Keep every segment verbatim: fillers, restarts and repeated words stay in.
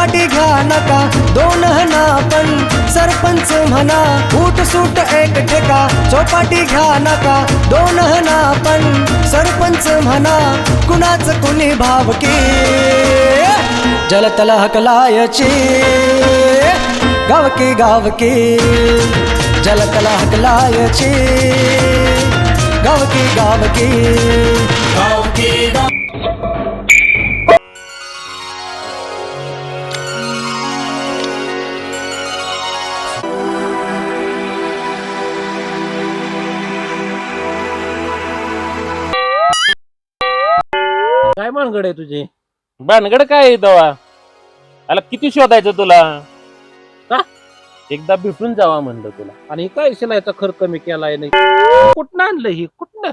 चौपाटी घ्या नका दोन हना पण सरपंच म्हणा फूट सूट एक ठेका चौपाटी घ्या नका दोन हना पण सरपंच म्हणा कुणाच कुणी भावकी जलतल हकलायची गावकी गावकी जलतल हकलायची गावकी गावकी गावकी गाव काय भानगड आहे तुझी? भानगड काय आहे दवा? आला किती शोधायचं तुला? का? एकदा भेटून जावा म्हणलं तुला. आणि काय शिलायचा खर्च कमी केलाय नाही? कुठनं आणलं ही? कुठनं?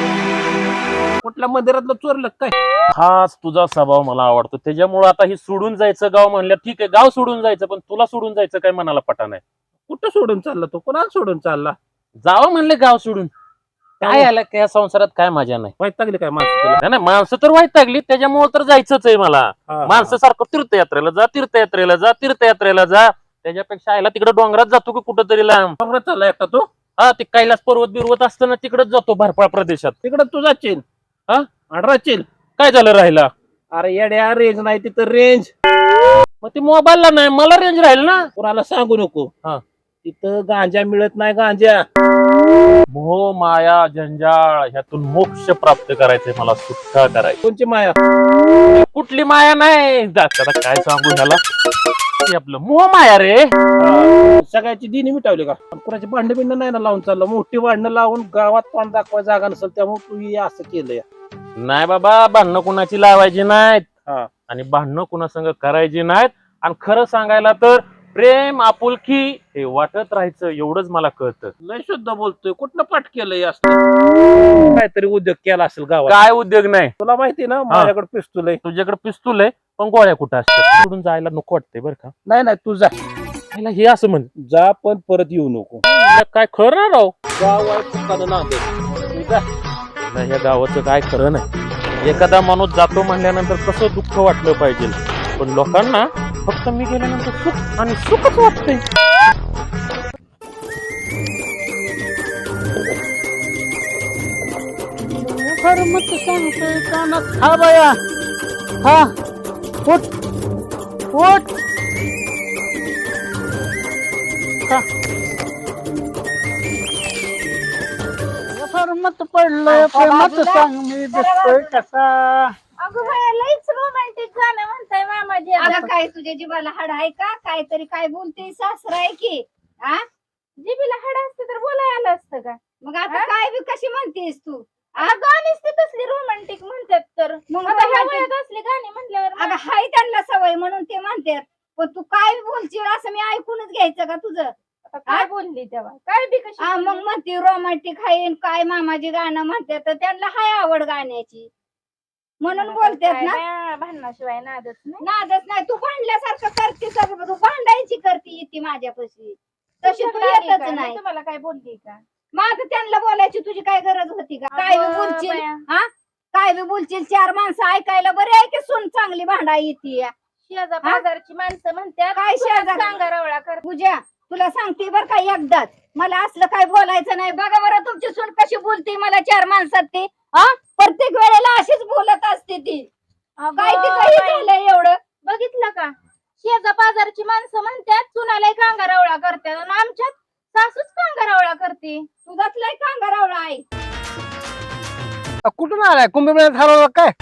कुठल्या मंदिरातलं चोरलं काय? हाच तुझा स्वभाव मला आवडतो. त्याच्यामुळे आता ही सोडून जायचं गाव म्हणलं ठीक आहे, गाव सोडून जायचं, पण तुला सोडून जायचं काय मनाला पटा नाही. कुठं सोडून चालला तो? कोणाला सोडून चालला? जावं म्हणले गाव सोडून. काय आलं काय संसारात काय मजा नाही. वाईट लागली काय माणसं तुला? नाही नाही, माणसं तर वाईट लागली, त्याच्यामुळे तर जायचंच आहे मला. हा, माणसं सारखं तीर्थयात्रेला जा तीर्थयात्रेला जा तीर्थयात्रेला जा, त्याच्यापेक्षा आयला तिकडे डोंगरात जातो की कुठंतरी लांब. डोंगरात चालला एकटा तो? हा, ते कैलास पर्वत बिरवत असताना तिकडेच जातो भरपाळ प्रदेशात. तिकडं तू जाशील? हा? आडराशील? काय झालं राहिला? अरे येड्या, रेंज नाही तिथं रेंज. मग ते मोबाईलला नाही, मला रेंज राहील ना. कोणाला सांगू नको. हा. तिथं गांजा मिळत नाही. गांजा मोह माया जंजाळ ह्यातून मोक्ष प्राप्त करायचंय मला, सुटका करायची. कोणची माया? कुठली माया नाही, आता काय सांगू ह्याला. ते आपलं मोह माया रे. सगळ्याची दिनी मिटावली का? कुणाची भांडण बिंड नाही ना लावून चाललं? मोठी भांडणं लावून गावात तोंड दाखवाय जागा नसेल, त्यामुळे तू हे असं केलंय. नाही बाबा, भांडणं कुणाची लावायची नाहीत हा. आणि भांडणं कुणासंग करायची नाहीत. आणि खरं सांगायला तर प्रेम आपुलकी हे वाटत राहायचं, एवढंच मला कळतं. लय शुद्ध बोलतोय. कुठनं पाठ केलंय असं? काहीतरी उद्योग केला असेल गावात. काय उद्योग नाही. तुला माहिती ना माझ्याकडे पिस्तूल आहे. तुझ्याकडे पिस्तूल आहे, पण गोळ्या कुठं असतात? सोडून जायला नको वाटतंय बरं का. नाही नाही, तू जा. पहिला हे असं म्हण, जा पण परत येऊ नको. काय खरं राव. गाव आहे चुकानं नांदे. तू जा. नाही, या गावाचं काय खरं नाही. एखादा माणूस जातो म्हणल्यानंतर कसं दुःख वाटलं पाहिजे, पण लोकांना फक्त मी गेल्यानंतर सुख आणि सुखच वाटतंय. खरं मत सांगतोय कानात. हा बाया, हा उठ उठ. मत पडलंय प्रेमात सांग मी दिसतोय कसा. अगं बाया, लईच रोमॅन्टिक गाणं म्हणताय मामाजी. अगं काय तुझ्या जीवाला हाड आहे का? काहीतरी काय बोलते सासरा आहे की? हा, जीबीला हाड असते तर बोलाय आलं असतं का? मग आता काय बी कशी म्हणतेस तू? गाणीच ते तसली रोमॅन्टिक म्हणतात, तर मग ह्या वयात असली गाणी म्हटल्यावर अगं हाय त्यांना सवय म्हणून ते म्हणतात. पण तू काय बोलशील असं मी ऐकूनच घ्यायचं का तुझं? काय बोलली तेव्हा? काय बी कशी मग म्हणते रोमॅन्टिक हाय काय मामाजी गाणं म्हणतात, तर त्यांना हाय आवड गाण्याची म्हणून बोलतात ना. भांडणाशिवाय नादच नाही. नादच नाही. तू भांडल्यासारखं करते सगळं. तू भांडायची करते येते माझ्यापाशी, तशी तू येतच नाही. तुम्हाला काय बोलली का? माझं त्यांना बोलायची तुझी काय गरज होती का? काय बी बोलशील? हा, काय बी बोलशील? चार माणसं ऐकायला बरे आहे की सून चांगली भांडा येते. शेजा बाजारची माणसं म्हणतात काय शेजा सांगारवळा कर. पूजा तुला सांगते बर का एकदाच, मला असलं काय बोलायचं नाही. बघा बरं तुमची सून कशी बोलते मला चार माणसात. ती हा प्रत्येक वेळेला अशीच बोलत असते ती. काय ते काही झालंय एवढं बघितलं का? शेजा बाजारची माणसं म्हणतात सुनाला कांगारावळा करतात, आणि आमच्यात सासूच कांगारावळा करते. तुझाच लय कांगारावळा आहे. कुठून आलाय? कुंभमेळ्यात हरवला काय?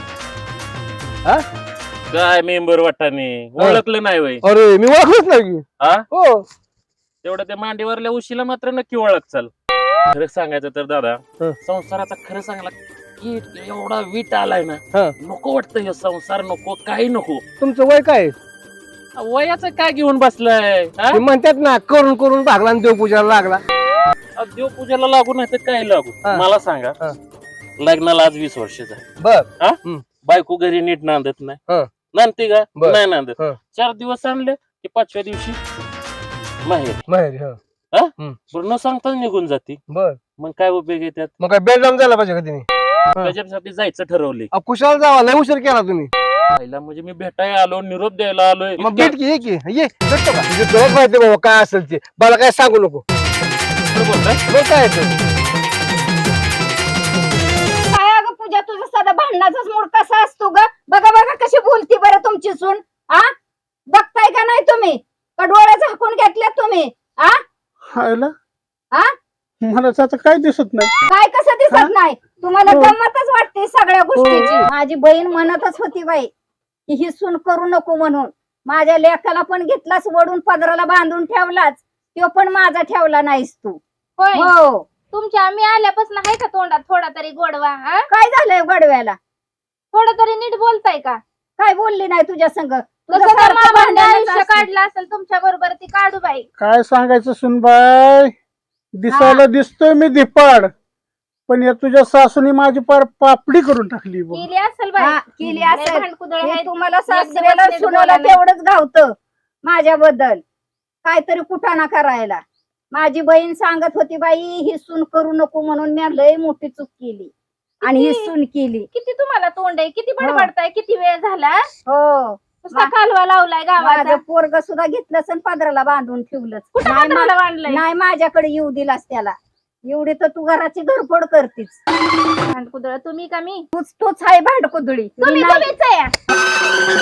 काय मेंबर वाटाने ओळखलं नाही वय? अरे मी ओळखलंच नाही. हा, हो. तेवढं त्या मांडीवरल्या उशीला मात्र नक्की ओळख चाल. खरं सांगायचं तर दादा, संसाराचा खरं सांगायला की एवढा वीट आलाय ना, नको वाटतं हे संसार, नको काही नको. तुमचं वय काय? वयाचं काय घेऊन बसलाय? म्हणतात ना करून करून भागला आणि देवपूजाला लागला. देवपूजाला लागू नाही तर काय लागू? मला सांगा, लग्नाला आज वीस वर्ष झाली. बर. बायको घरी नीट नांदत नाही. नांदते का? नाही नांदत. चार दिवस आणले की पाचव्या दिवशी माहेर माहेर न सांगताच निघून जाते. बर. मग काय उपयोग आहे त्यात? मग काय बेडलाम झाला पाहिजे का तिने? त्याच्यासाठी जायचं ठरवले. कुशाला जावा, लय उशीर केला तुम्ही. पहिला म्हणजे मी भेटायला आलो, निरोप द्यायला आलोय. मग भेट की ये की ये भेटतो का तुझी तुलाच माहिती बाबा काय असेल ते मला काय सांगू नको इतकं बोलताय? मग काय ते? काय अगं पूजा तुझं सदा भांडणाचाच मूड कसा असतो ग? बघा बघा कशी बोलती बरं तुमची सून. आ बघताय का नाही तुम्ही? का डोळे झाकून घेतल्यात तुम्ही? आ हायला आ मला त्याचं काय दिसत नाही. काय कसं दिसत नाही तुम्हाला? गंमतच वाटते सगळ्या गोष्टीची. माझी बहीण म्हणतच होती बाई की ही सून करू नको म्हणून. माझ्या लेकाला पण घेतलास वडून पदराला बांधून ठेवलाच, तो पण माझा ठेवला नाहीस तू. हो तुमच्या आम्ही आल्यापासून आहे का तोंडात थोडा तरी गोडवा? हा काय झालंय गडव्याला? थोडं तरी नीट बोलताय का? काय बोलली नाही तुझ्या संग? तुझं कसं सारखं मामाने भांडणच आयुष्य असतं. काढलं असेल तुमच्या बरोबर ती काढू बाई. काय सांगायचं सुनबाई, दिसायला दिसतोय मी धिपाड, पण या तुझ्या सासूने माझी पार पापडी करून टाकली बघ. केली असेल बाई. हा, केली लय असेल. भांडकुदळ हे आहेत. तुम्हाला एक सासऱ्याला दिवस नीट सुनाला बोला नाही. तेवढंच गावतं माझ्याबद्दल काहीतरी कुठाना करायला. माझी बहीण सांगत होती बाई ही सून करू नको म्हणून मी लय मोठी चूक केली आणि ही किती? सून केली. किती तुम्हाला तोंड आहे, किती बडबडताय, किती वेळ झाला हो नुसता कालवा लावलाय गावाचा. माझं पोरग सुद्धा घेतलंच आणि पदराला बांधून ठेवलंच. कुठं नाही पत्राला मा- बांधलंय? नाही माझ्याकडे येऊ दिलास त्याला. एवढी तर तू घराची घरफोड करतीस. भांडकुदळ तुम्ही का मी? तूच तूच आहे भांडकुदळी. मी तुम्ही नाही. तुम्हीच आहे.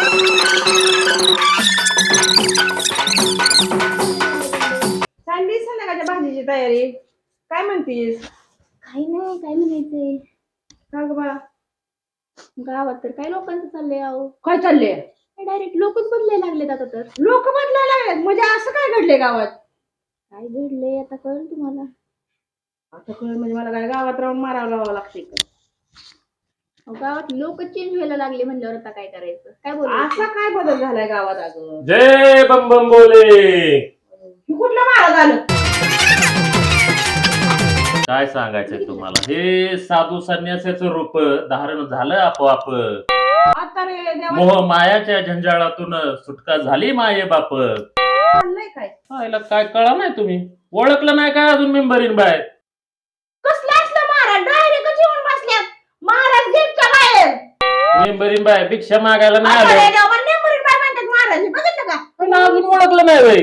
चालली संध्याकाळच्या भाजीची तयारी. काय म्हणतीस? काही नाही, काय म्हणायचंय. का ग बा? गावात तर काय लोकांचं चाललंय अहो. काय चालले? डायरेक्ट लोकच बदलायला लागलेत आता तर. लोक बदलायला लागलेत म्हणजे असं काय घडले गावात? काय घडलंय आता कळलं तुम्हाला? आता कळ म्हणजे मला काय गावात राहून मारावं लावावं लागते का? अहो, गावात लोक चेंज व्हायला लागले म्हणल्यावर आता काय करायचं? काय बोल असा काय बदल झालाय गावात अगं? जय बम बम बोले. हे कुठलं महाराज आलं? काय सांगायचंय तुम्हाला, हे साधू संन्यासाचं रूप धारण झालं आपोआप. आता रे देवा मोह मायाच्या झंझाळातून सुटका झाली माये बाप. चाललंय काय? हा, याला काय कळा नाही तुम्ही? ओळखलं नाही काय अजून मेंबरीन बाय? कसलं असलं महाराज? डायरेक्ट येऊन बसल्यात. महाराज गेटच्या बाहेर. मेंबरीन बाय भिक्षा मागायला नाही आता आलो. रे देवा, नेंबरीन बाय म्हणतात महाराज. हे बघितलं का? पण अजून ओळखलं नाही बाई.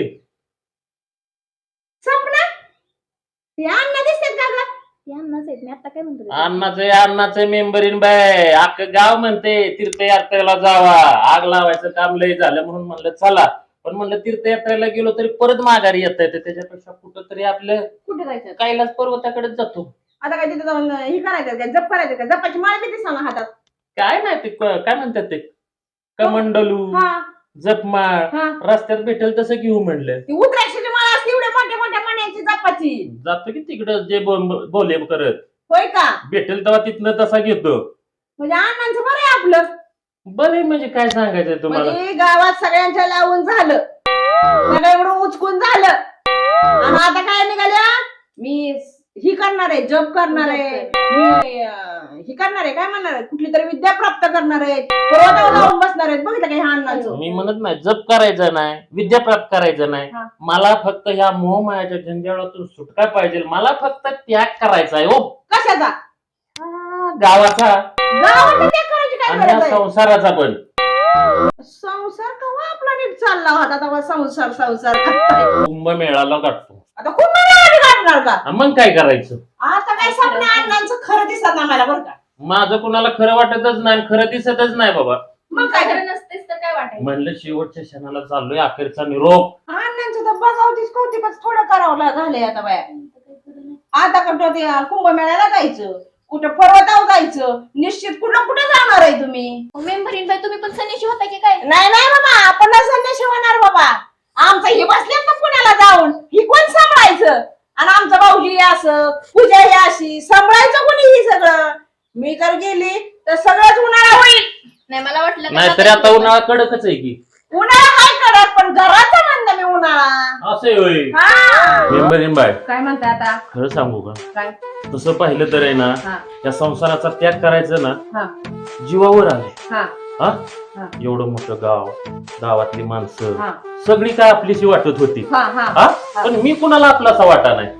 सपना हे अण्णा दिसतात का ग? यांनाच आहेत मी आता काय म्हणतो. अण्णाचे अण्णाचे मेंबरीन बाय अख्खं गाव म्हणते तीर्थयात्रेला जावा. आग लावायचं काम लय झालं म्हणून म्हणलं चला, पण म्हणलं तीर्थयात्रेला गेलो तरी परत माघारी येता येते. त्याच्यापेक्षा कुठं तरी आपलं कुठे जायचं? कैलास पर्वताकडे जातो. आता काय तिथे जाऊन हे करायचं काय? जप करायचं का? जपाची माळ बी दिसा हातात. काय नाही ते क- काय म्हणतात ते कमंडलू हा जपमाळ हा. रस्त्यात भेटेल तसं घेऊ म्हणलं. ती उतरायची माळ असते एवढ्या मोठ्या मोठ्या मण्याची जपाची. जातो की तिकडं जे बो- बोले करत होय का? भेटेल तेव्हा तिथनं तसा घेतो. म्हणजे अण्णांचं बरं आहे आपलं. बरे म्हणजे काय सांगायचंय तुम्हाला? म्हणजे गावात सगळ्यांच्या लावून झालं, सगळं एवढं उचकून झालं आणि आता काय निघाल्या? मी ही करणार आहे, जप करणार आहे, मी अं, ही करणार आहे, काय म्हणणार आहे, कुठली तरी विद्या प्राप्त करणार आहे, पर्वतावर जाऊन बसणार आहेत. बघितलं का ह्या अण्णांचं? मी म्हणत नाही जप करायचं नाही, विद्या प्राप्त करायचं नाही. हा. मला फक्त ह्या मोहमायाच्या झंझाळातून सुटका पाहिजे. मला फक्त त्याग करायचा आहे हो, कशाचा? गावाचा गावात त्याग करायची काय आणि ह्या गरज आहे? संसाराचा पण. संसार कवा आपला नीट चालला होता तेव्हा संसार संसार करताय. कुंभमेळाला गाठतो. आता खूप महिन्याआधी काढणार का? हा, मग काय करायचं? आता काय स्वप्न अण्णांचं खरं दिसत नाही मला बरं का. माझं कुणाला खरं वाटतच नाही, खरं दिसतच नाही बाबा. मग काय खरं नसतेच तर काय वाटायचं? म्हणलं शेवटच्या क्षणाला चाललोय, अखेरचा निरोप. अण्णांचं तर बघावतीच कौतिकच थोडं करावं झालंय आता बाया. आता कुठं ते कुंभमेळ्याला जायचं, कुठं पर्वतावर जायचं, निश्चित कुठं कुठं जाणार आहे तुम्ही? मेंबरीन बाई तुम्ही पण सनीशी होता की काय? नाही नाही बाबा, आपण संन्याशी होणार बाबा. आमचं हे बसल्यात ना पुण्याला जाऊन, ही कोण सांभाळायचं? आणि आमचं भाऊजी असं, पूजा ही अशी, सांभाळायचं कोणी ही सगळं? मी तर गेली तर सगळंच उन्हाळा होईल. नाही मला वाटलं नाही तरी आता उन्हाळा कडकच आहे की. उन्हाळा हाय कडक, पण घराचं म्हणलं मी उन्हाळा. असं होय. हा. मेंबरीन बाय काय म्हणताय आता? खरं सांगू का, काय? तसं पाहिलं तर आहे ना, हा. या संसाराचा त्याग करायचं ना हा. जीवावर आले. हा. हा हा. एवढं मोठं गाव, गावातली माणसं हा. सगळी काय आपलीशी वाटत होती. हा, हा. हा पण मी कुणाला आपलासा वाटा नाही.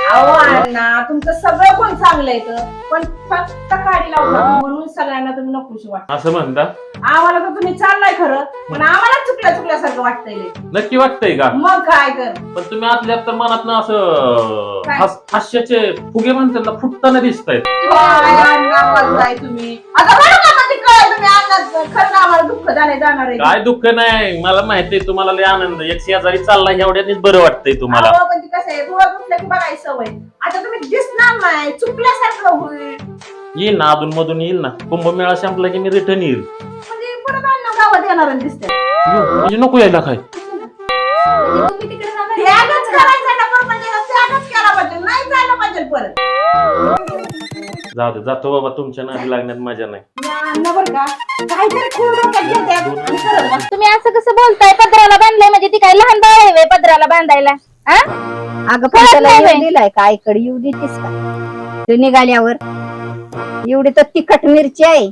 अहो अण्णा तुमचं सगळं कोण चांगलं येतं पण फक्त काडी लावता म्हणून सगळ्यांना तुम्ही नकोशी वाटत. असं म्हणता आम्हाला तर तुम्ही चाललाय खरं पण आम्हाला चुकल्या चुकल्यासारखं वाटतंय लय. नक्की वाटतंय का? मग काय कर पण तुम्ही आतल्या तर मनात ना असं काय? हास- हास्याचे फुगे म्हणतात ना फुटताना दिसतायत. काय अण्णा बोलताय तुम्ही आता बरं का मग ते कळलं तुम्ही अण्णा खरं आम्हाला दुःख झाले जाणार आहे. काय दुःख नाही, मला माहितीये तुम्हाला लय आनंद, एक शेजारी चालला एवढ्यानेच बरं वाटतंय तुम्हाला. अहो, पण ती कसं आहे डोळा दुखलं की बघायची सवय. आता तुम्ही दिसणार नाही चुकल्यासारखं होईल येईल ना अधून मधून येईल ना, कुंभमेळा संपला की मी रिटर्न येईल. म्हणजे परत अण्णा गावात येणार आणि दिसते यो, म्हणजे नको यायला काय. म्हणजे तुम्ही तिकडे जाणार आहे? त्यागच करायचा ना परत म्हणजे त्यागच केला पाहिजे नाही जायला पाहिजे परत. जाऊ दे, जातो बाबा, तुमच्या नादी लागण्यात मजा नाही. या अण्णा बरं का काहीतरी खूप डोक्यात घेतात आणि करत बसतात. तुम्ही असं कसं बोलताय? पदराला बांधलंय म्हणजे ती काय लहान बाळ आहे व्हय पदराला बांधायला? हा? अगं कळत पण त्याला नाही येऊ बाई. दिलाय का आईकडे येऊ देतीस का तू निघाल्यावर एवढी तर तिखट मिरची आहे.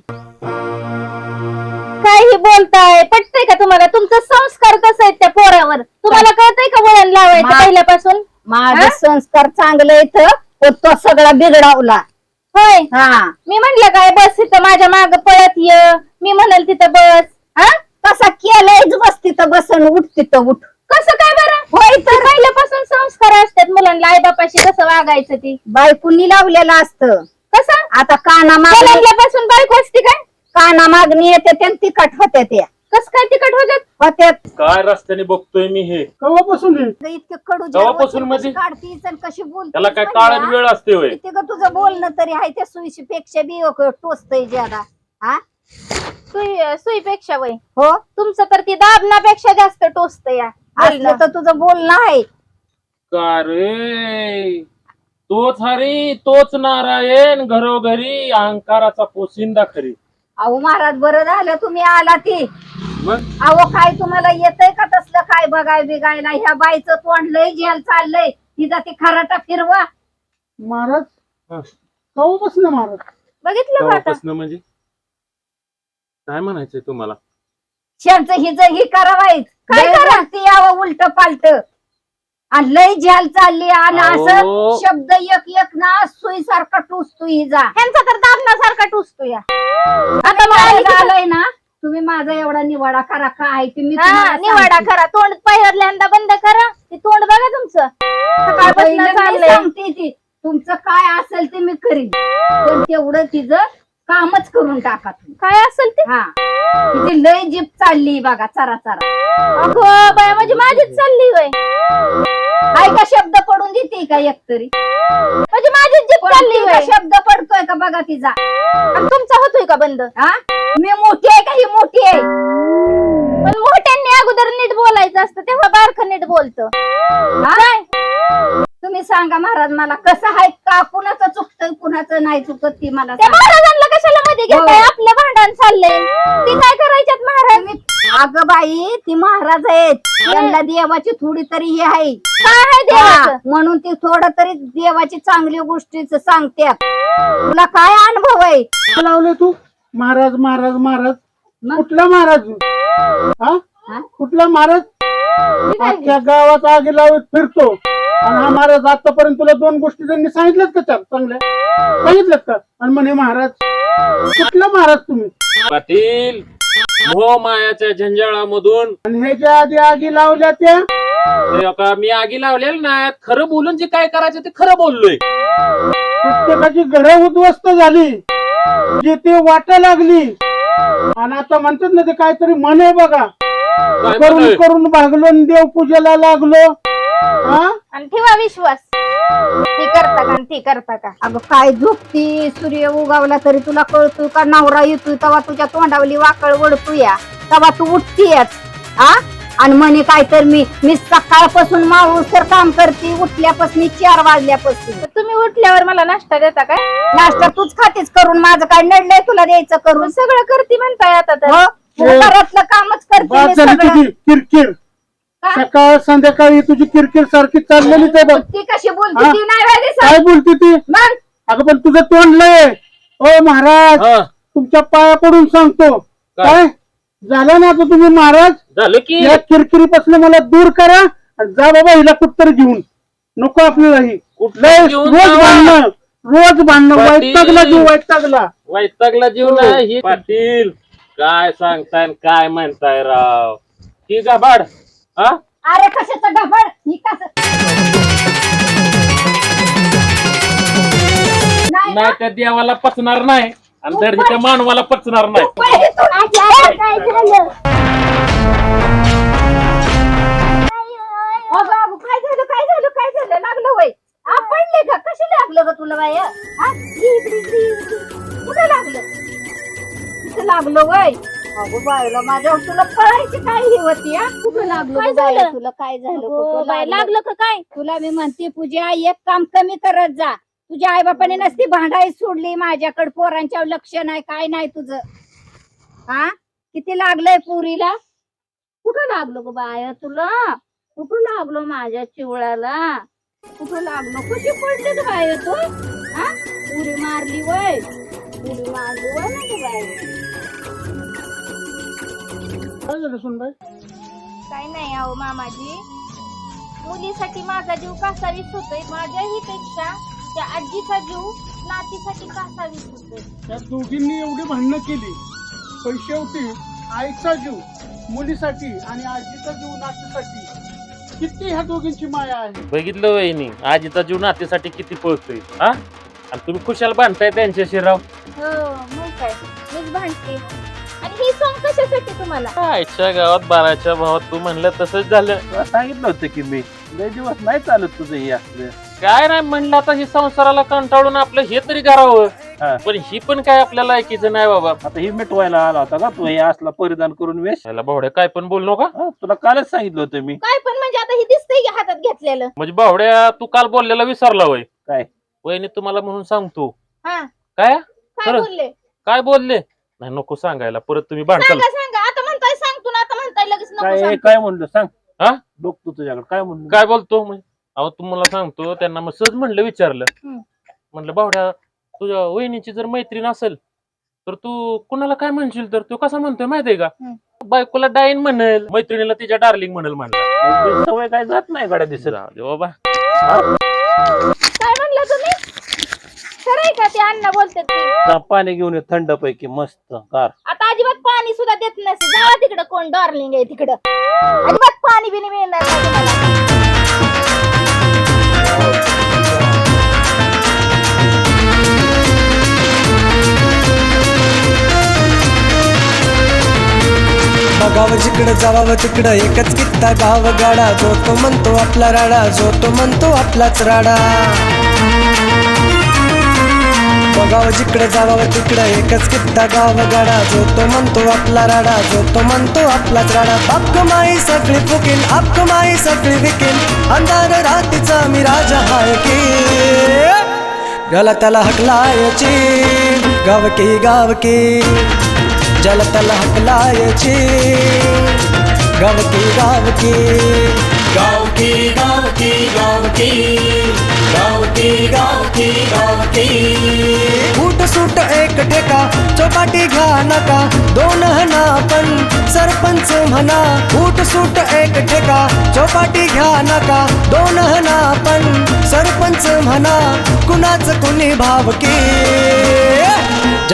काही बोलताय? पटतंय का तुम्हाला? तुमचं संस्कार कसं आहेत त्या पोरावर? तुम्हाला कळतंय का वळण लावायचं मा- पहिल्यापासून? माझं हा? संस्कार चांगलं येतं पण तो सगळा बिघडावला. होय, हा मी म्हणलं काय बस तिथं माझ्या माग पळत ये, मी म्हणाल तिथं बस. हा? तसा केलंयच बस तिथं बसन उठ तिथं उठ. कसं काय बरं? होय, तर पहिल्यापासून संस्कार असतात मुलांना, आई बापाशी कसं वागायचं ती. बायकोनी लावलेलं असतं. कसं? आता काना मागणी जन्मल्यापासून बायको असते काय? काना मागणी येते त्या तिखट होत्या त्या कसं काय तिकट होतात? होत्या काय रस्त्याने बघतोय मी हे, कवापासून हे इतके कडू तेव्हापासून म्हणजे? काढतीस आणि कशी बोलतीस त्याला काय म्हणजे, काळात हा? वेळ असते होय. किती ग तुझं बोलणं तरी आहे त्या सुईशी पेक्षा बी टोचतय ज्यादा. हा सुई सुईपेक्षा वय हो तुमचं तर ती दाबनापेक्षा जास्त टोचत या असलं तर तुझं बोलणं आहे. का रे, तोच हरी तोच नारायण, घरोघरी अहंकाराचा पोशिंदा खरी. अहो महाराज बरं झालं तुम्ही आला ती. मग अहो काय तुम्हाला येतंय का तसलं काय बघाय बिगायला? ह्या बाईचं तोंड लय जेल चाललंय तिचा ती खराटा फिरवा. महाराज हा. कवापासून महाराज बघितलं का आता? तेव्हापासनं म्हणजे काय म्हणायचंय तुम्हाला? शेणचं हिज ही करावायच काय काय करा? करा यावं उलट पालट आणि लय झेल चालली आणि अहो. असं शब्द एक एक ना सुई सारखा टुसतो हिजा. ह्यांचा तर दाबनासारखा टोचतो या. आता मला आलंय ना तुम्ही माझा एवढा निवाडा करा काय ते मी हा, तुम्हाला निवाडा सांगते. करा, तोंड पहिल्यांदा बंद करा. ते तोंड बघा तुमचं सकाळपासून पहिलं मी चाललंय. सांगते ती तुमचं काय असेल ते मी करीन पण तेवढं तिचं कामच करून टाका तुम्ही. काय असेल ते? हा तिची लय जीप चालली बघा चरा चरा. अगं बाया, म्हणजे माझीच चालली होय. काय का शब्द पडून देते का एकतरी? म्हणजे माझीच जीप चालली कोणती का होय. शब्द पडतोय का बघा तिचा? आणि तुमचा होतोय का बंद? हा मी मोठी आहे का ही मोठी आहे? पण मोठ्यांनी अगोदर नीट बोलायचं असतं, तेव्हा बारकं नीट बोलतं. हा? तुम्ही सांगा महाराज मला कसं आहे का कुणाचं चुकतंय कुणाचं नाही चुकत ती मला त्या सांगा. महाराजांना कशाला मध्ये घेताय? हो. आपलं भांडण चाललंय, ते काय करायच्यात महाराज? तुम्ही- अगं बाई ती महाराज आहेत त्यांना देवाची थोडी तरी हे आहे. काय आहे देवाचं? हा, म्हणून ती थोडं तरी देवाची चांगली गोष्टीच सांगते. तुला काय अनुभव आहे? लावले तू महाराज महाराज महाराज मग? कुठला महाराज हा हा? कुठला महाराज? अख्ख्या गावात आगी लावत फिरतो आणि हा महाराज आतापर्यंत तुला दोन गोष्टी त्यांनी सांगितल्यात का त्या चांगल्या सांगितल्यात का? आणि म्हणे महाराज कुठला महाराज तुम्ही? पाटील, मोह मायाच्या झंजाळामधून आणि ह्याच्या आधी आगी लावल्या त्या ते का मी आगी लावलेलं नाही, खरं बोलून जे काय करायचं ते खरं बोललोय. प्रत्येकाची घरं उद्ध्वस्त झाली जे ते वाटा लागली आणि आता म्हणतात ना ते काहीतरी म्हणे बघा काय करून म्हणतोय? करून भागलो आणि देवपूजेला लागलो. हा आणि ठेवा विश्वास, ती करता का आणि ती करता का? अगं काय झोपती सूर्य उगावला तरी तुला कळतोय का? नवरा येतोय तेव्हा तुझ्या तोंडावली वाकळ वडतोय तेव्हा तू उठतीयच. हा आणि म्हणे काय तर मी मी सकाळपासून मावूस तर काम करते उठल्यापासून चार वाजल्यापासून. तर तुम्ही उठल्यावर मला नाश्ता देता काय? नाश्ता तूच खातेच करून माझं काय नडलंय तुला द्यायचं करून? पण सगळं करते म्हणताय आता तर. हो तू घरातलं कामच करते बाद मी झाली सगळं. तुझी किरकिर. काय? सकाळ संध्याकाळी तुझी किरकिर सारखी चाललेलीच आहे बघ. ती कशी बोलते हा? ती नाही वेळ दिसत. काय बोलते ती? मग अगं पण तुझं तोंड लय. ओ महाराज हा, तुमच्या पाया पडून सांगतो काय झालं ना आता तुम्ही महाराज झालं की या किरकिरीपासून मला दूर करा आणि जा बाबा हिला कुठतरी घेऊन नको आपल्याला ही कुठलं घेऊन रोज जावा. भांडणं रोज भांडणं पाटील. वैतागला जीव वैतागला वैतागला जीव नाही ही पाटील काय सांगताय आणि काय म्हणताय राव ही गाभाड हा अरे कशाचं गफड ही कसं नाही नाही त्या देवाला पचणार नाही आणि धड त्या मानवाला पचणार नाही पहिले तू- काय झालं? अगं, अगं, काय झालं काय झालं काय झालं लागलं वय हा पडले का कशी लागलं ग तुला बाय हा इकडे, इकडे, इकडे. कुठं लागलं कुठं लागलं वय अगो बायला माझ्या तुला पळायची काय ही होती हा कुठं लागलं काय ग बाया? झालं? तुला काय झालं अगो, कुठं बाई, लागलं? लागलं का काय तुला मी म्हणते पूजा एक काम कमी करत जा तुझ्या आई बापाने नसती भांडाई सोडली माझ्याकडे पोरांच्या लक्ष नाही काय नाही तुझं हा किती लागलंय पुरीला कुठं लागलो ग बाया तुला कुठं लागलो माझ्या चिवळाला कुठं लागलो कशी पडली ग बाया तू हा पुरी मारली वय पुरी मारली वय ना ग बाया काय झालं सुनबाई काय नाही अहो मामाजी मुलीसाठी माझा जीव कासावीस होतोय माझ्याही पेक्षा त्या आजीचा जीव नातीसाठी कासावीस होतोय त्या दोघींनी एवढी भांडणं केली पण शेवटी आईचा जीव मुलीसाठी आणि आजीचा जीव नातीसाठी किती ह्या दोघींची माया आहे बघितलं वहिनी आजीचा जीव नातीसाठी किती पळतोय हा आणि तुम्ही खुशाल बांधताय त्यांच्याशी राव हो मग काय मीच भांडते आणि ही सॉंग कशासाठी तुम्हाला आजच्या गावात बाराच्या भावात तू म्हणलं तसंच झालं तुला सांगितलं होतं की मी लय दिवस नाही चालत तुझं हे असलं काय नाही म्हणलं आता ही संसाराला कंटाळून आपलं हे तरी करावं हा. पण ही पण काय आपल्या लायकीचं नाही बाबा आता ही मिटवायला आला होता का तू हे असला परिधान करून वेश याला भावड्या काय पण बोल नका हा, तुला कालच सांगितलं होतं मी काय पण म्हणजे आता ही दिसतंय की हातात घेतलेलं म्हणजे भावड्या तू काल बोललेला विसरला वय काय वहिनी तुम्हाला म्हणून सांगतो हा काय काय खरं? बोलले काय बोलले नाही नको सांगायला परत तुम्ही भांडताल सांगा सांगा आता म्हणताय सांगतो ना आता म्हणताय लगेच नको काय सांगतो. काय म्हणलं सांग हा? बघतो तुझ्याकडे काय म्हणलं काय बोलतो म्हणजे अहो तुम्हाला सांगतो त्यांना मग सहज म्हणलं विचारलं हम्म. म्हणलं भावड्या तुझ्या वहिनीची जर मैत्रीण असेल तर तू कुणाला काय म्हणशील तर तो कसा म्हणतोय माहितीये का हम्म. बायकोला डाईन म्हणेल मैत्रिणीला तिच्या डार्लिंग म्हणेल म्हणलं तुझी सवय काय जात नाही गाड्या दिसत जाऊ दे बाबा काय म्हणलं तुम्ही खरंय का ते अण्णा बोलतात ते जा पाणी घेऊन ये थंड पैकी मस्त गार आता अजिबात पाणी सुद्धा देत नसे जावा तिकडं कोण डार्लिंग आहे तिकडं अजिबात पाणी बिनी मिळणार नाही तुम्हाला बघावं जिकडं जावावं तिकडं एकच कित्ता गाव गाडा जो तो म्हणतो आपला राडा जो तो म्हणतो आपलाच राडा बघावं जिकडं जावावं तिकडं एकच कित्ता गाव गाडा जो तो म्हणतो आपला राडा जो तो म्हणतो आपलाच राडा बाप माई सगळी फुकील आप माई सगळी विकील अंधार रातीचा मी राजा हाय की गला त्याला हकलायची गावकी गावकी जल तल हकलायची गावकी गावकी गावकी गावकी गावकी गावकी गावकी गावकी फूट सूट एक टेका चौपाटी घ्या नका दोन हना पण सरपंच म्हणा फूट सूट एक टेका चौपाटी घ्या नका दोन हना पण सरपंच म्हणा कुणाच कुणी भावकी